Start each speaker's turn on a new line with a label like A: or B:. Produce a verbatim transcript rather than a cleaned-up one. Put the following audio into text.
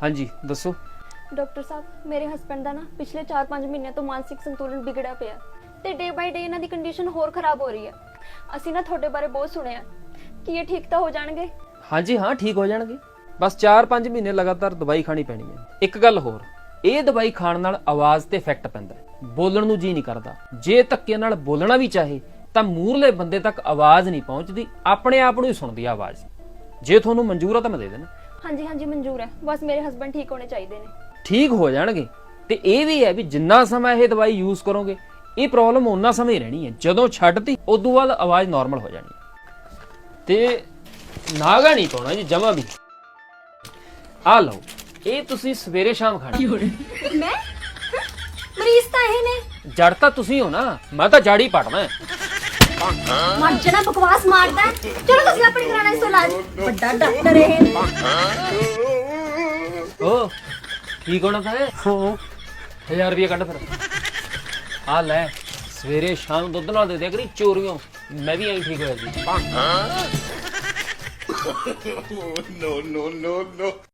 A: ਹਾਂਜੀ ਦੱਸੋ।
B: ਡਾਕਟਰ ਸਾਹਿਬ ਮੇਰੇ ਹਸਬੰਡ ਦਾ ਨਾ ਪਿਛਲੇ ਚਾਰ ਪੰਜ ਮਹੀਨਿਆਂ ਤੋਂ ਮਾਨਸਿਕ ਸੰਤੁਲਨ ਵਿਗੜਿਆ ਪਿਆ ਤੇ ਡੇ ਬਾਈ ਡੇ ਇਹਨਾਂ ਦੀ ਕੰਡੀਸ਼ਨ ਹੋਰ ਖਰਾਬ ਹੋ ਰਹੀ ਹੈ। ਅਸੀਂ ਨਾ ਤੁਹਾਡੇ ਬਾਰੇ ਬਹੁਤ ਸੁਣਿਆ ਕਿ ਇਹ ਠੀਕ ਤਾਂ ਹੋ ਜਾਣਗੇ।
A: ਹਾਂਜੀ ਹਾਂ ਠੀਕ ਹੋ ਜਾਣਗੇ, ਬਸ ਚਾਰ ਪੰਜ ਮਹੀਨੇ ਲਗਾਤਾਰ ਦਵਾਈ ਖਾਣੀ ਪੈਣੀ ਹੈ। ਇੱਕ ਗੱਲ ਹੋਰ, ਇਹ ਦਵਾਈ ਖਾਣ ਨਾਲ ਆਵਾਜ਼ ਤੇ ਇਫੈਕਟ ਪੈਂਦਾ ਹੈ, ਬੋਲਣ ਨੂੰ ਜੀ ਨਹੀਂ ਕਰਦਾ। ਜੇ ਧੱਕੇ ਨਾਲ ਬੋਲਣਾ ਵੀ ਚਾਹੇ ਤਾਂ ਮੂਹਰਲੇ ਬੰਦੇ ਤੱਕ ਆਵਾਜ਼ ਨਹੀਂ ਪਹੁੰਚਦੀ, ਆਪਣੇ ਆਪ ਨੂੰ ਹੀ ਸੁਣਦੀ ਆਵਾਜ਼। ਜੇ ਤੁਹਾਨੂੰ ਮਨਜ਼ੂਰ ਆ ਤਾਂ ਮੈਂ ਦੇ ਦੇਣਾ।
B: ਹਾਂਜੀ ਹਾਂਜੀ ਮਨਜ਼ੂਰ ਹੈ, ਬਸ ਮੇਰੇ ਹਸਬੰਡ ਠੀਕ ਹੋਣੇ ਚਾਹੀਦੇ ਨੇ।
A: ਠੀਕ ਹੋ ਜਾਣਗੇ, ਤੇ ਇਹ ਵੀ ਹੈ ਵੀ ਜਿੰਨਾ ਸਮਾਂ ਇਹ ਦਵਾਈ ਯੂਜ਼ ਕਰੋਗੇ ਇਹ ਪ੍ਰੋਬਲਮ ਓਨਾ ਸਮਾਂ ਹੀ ਰਹਿਣੀ ਹੈ। ਜਦੋਂ ਛੱਡਤੀ ਉਦੋਂ ਬਾਅਦ ਆਵਾਜ਼ ਨਾਰਮਲ ਹੋ ਜਾਣੀ ਹੈ। ਤੇ ਨਾਗਾ ਨਹੀਂ ਪਾਉਣਾ ਜੀ ਜਮਾ ਵੀ। ਆ ਲਓ, ਇਹ ਤੁਸੀਂ ਸਵੇਰੇ ਸ਼ਾਮ ਖਾਣਾ।
B: ਮੈਂ ਮਰੀਜ਼ ਤਾਂ ਇਹ ਨੇ।
A: ਜੜ ਤਾਂ ਤੁਸੀਂ ਹੋ ਨਾ, ਮੈਂ ਤਾਂ ਜੜ ਹੀ ਪੜਨਾ।
B: ਮਰ ਜਣਾ ਬਕਵਾਸ ਮਾਰਦਾ। ਚਲੋ ਤੁਸੀਂ ਆਪਣੀ ਕਰਾਣਾ ਇਸ ਤੋਂ ਇਲਾਜ। ਵੱਡਾ ਡਾਕਟਰ ਇਹ।
A: ਓ ਠੀਕ ਹੋਣਾ ਤਾਂ ਹਜ਼ਾਰ ਰੁਪਏ ਕੱਢ ਫਿਰ। ਆ ਲੈ, ਸਵੇਰੇ ਸ਼ਾਮ ਦੁੱਧ ਨਾਲ ਦੇ ਦਿਆ ਕਰੀ ਚੋਰੀਆਂ, ਮੈਂ ਵੀ ਐਂ ਠੀਕ ਹੋਇਆ ਸੀ।
C: no, no, no, no.